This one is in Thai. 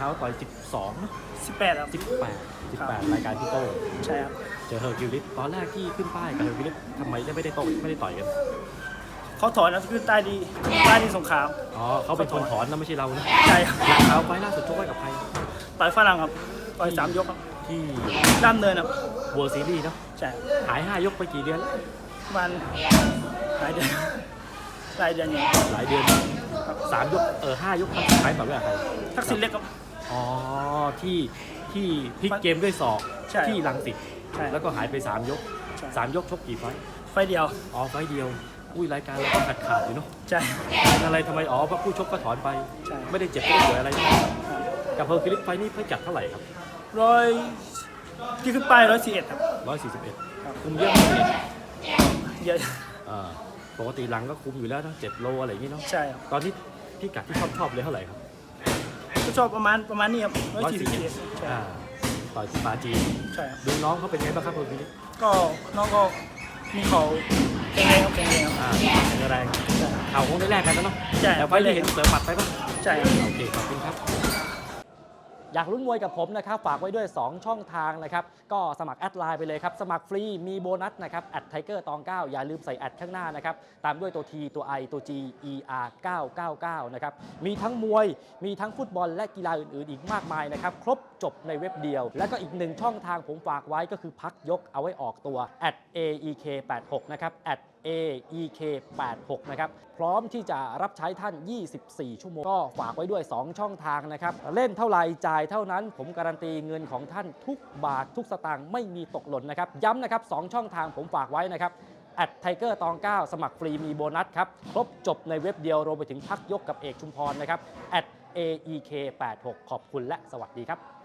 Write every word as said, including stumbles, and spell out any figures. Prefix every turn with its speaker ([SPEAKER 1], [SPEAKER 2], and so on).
[SPEAKER 1] าวต่อยสิบสองนะ
[SPEAKER 2] สิบแปดครับ
[SPEAKER 1] สิบแปด สิบแปดรายการพี่โต้
[SPEAKER 2] ใช่ครับ
[SPEAKER 1] เจอเฮอร์คิวลิสตอนแรกที่ขึ้นป้ายกับเฮอร์คิวลิสทำไมได้ไม่ได้โต้ไม่ได้ต่อยกัน
[SPEAKER 2] เขาถอนนะคือใต้ดีใต้ดีสงขลา
[SPEAKER 1] อ๋อเขาเป็นคนถอนนะไม่ใช่เรานะ
[SPEAKER 2] ใช่ครับ
[SPEAKER 1] หลังเขาไฟล่าสุดชกไว้กับใคร
[SPEAKER 2] ต่อยฝรั่งครับต่อยสามยกครับ
[SPEAKER 1] ที่
[SPEAKER 2] ด้ามเนินครับ
[SPEAKER 1] เวิลด์ซีรีส์เนาะ
[SPEAKER 2] ใช่
[SPEAKER 1] หายห้ายกไปกี่เดือนแล้ว
[SPEAKER 2] มันหลายเดือนหลายเดือนอย่าง
[SPEAKER 1] หลายเดือนสามยกเออห้ายกครั้งสุดท้ายต่อยไว้กับใคร
[SPEAKER 2] ทักษิณเล็กครับ
[SPEAKER 1] อ๋อที่ที่พลิกเกมด้วยศอก
[SPEAKER 2] ใช่
[SPEAKER 1] ที่ลังสิต
[SPEAKER 2] ใช่
[SPEAKER 1] แล้วก็หายไปสามยก
[SPEAKER 2] ใช่
[SPEAKER 1] สามยกชกกี่ไฟต์
[SPEAKER 2] ไฟเดียว
[SPEAKER 1] อ๋อไฟต์เดียวอุ้ยรายการเราก็ขาดขาดอยู่เนาะ
[SPEAKER 2] ใช่
[SPEAKER 1] เป็นอะไรทำไมอ๋อเพราะผู้ชกก็ถอนไป
[SPEAKER 2] ใช่
[SPEAKER 1] ไม่ได้เจ็บไม่ได้ป่วยอะไรใช่ไหมกับเฮอร์คิวลิสไฟต์นี่เพิ่งจัดเท่าไหร่ครับ
[SPEAKER 2] ร้อยที่ขึ้นป้ายร้อยสี่เอ็ดครับ
[SPEAKER 1] ร้อยสี่สิบเอ็ด
[SPEAKER 2] ครับ
[SPEAKER 1] คุมเยอะไหมเนี่ย
[SPEAKER 2] เยอะ
[SPEAKER 1] อ่าปกติหลังก็คุมอยู่แล้วนะเจ็ดโลอะไรอย่างงี้เนาะ
[SPEAKER 2] ใช่ครับ
[SPEAKER 1] ตอนนี้พี่กัดที่ชอบชอบเลยเท่าไหร่ครับ
[SPEAKER 2] ก็ชอบประมาณประมาณนี้ครับร้อยสี่สิบเอ็ดใช่
[SPEAKER 1] อ่าต่อยที่ปาจีน
[SPEAKER 2] ใช่ครับ
[SPEAKER 1] ดูน้องเขาเป็นไงบ้างครับเฮอร์คิวลิส
[SPEAKER 2] ก็น้องก็มีเขาแข็งแรงครับแข็งแรงครับ
[SPEAKER 1] อ่าแข็งแรง
[SPEAKER 2] ใช่
[SPEAKER 1] เข่าคงได้แลกกันแล้วเนาะ
[SPEAKER 2] ใช่
[SPEAKER 1] แต่ไฟต์ที่เห็นเสือหมัดไปป่ะ
[SPEAKER 2] ใช่ครับ
[SPEAKER 1] โอเค ขอบคุณครับ อยากลุ้นมวยกับผมนะครับ ฝากไว้ด้วย สอง ช่องทางนะครับ ก็สมัครแอดไลน์ไปเลยครับ สมัครฟรี มีโบนัสนะครับ แอดไทเกอร์ตองเก้าอย่าลืมใส่แอดข้างหน้านะครับ ตามด้วยตัว T ตัว I ตัว G E R เก้าเก้าเก้านะครับ มีทั้งมวย มีทั้งฟุตบอลและกีฬาอื่นๆ อีกมากมายนะครับ ครบจบในเว็บเดียว และก็อีกหนึ่งช่องทางผมฝากไว้ก็คือพักยกเอาไว้ออกตัว แอด เอ อี เค แปดหก นะครับ แอด เอ อี เค แปดหก นะครับ พร้อมที่จะรับใช้ท่าน ยี่สิบสี่ ชั่วโมง ก็ฝากไว้ด้วย สอง ช่องทางนะครับ เล่นเท่าไหร่จ่ายเท่านั้น ผมการันตีเงินของท่านทุกบาททุกสตางค์ไม่มีตกหล่นนะครับ ย้ำนะครับ สอง ช่องทางผมฝากไว้นะครับ แอดไทเกอร์ตองเก้าสมัครฟรีมีโบนัสครับ ครบจบในเว็บเดียวรวมไปถึงพักยกกับเอกชุมพรนะครับ แอด เอ อี เค แปดหก ขอบคุณและสวัสดีครับ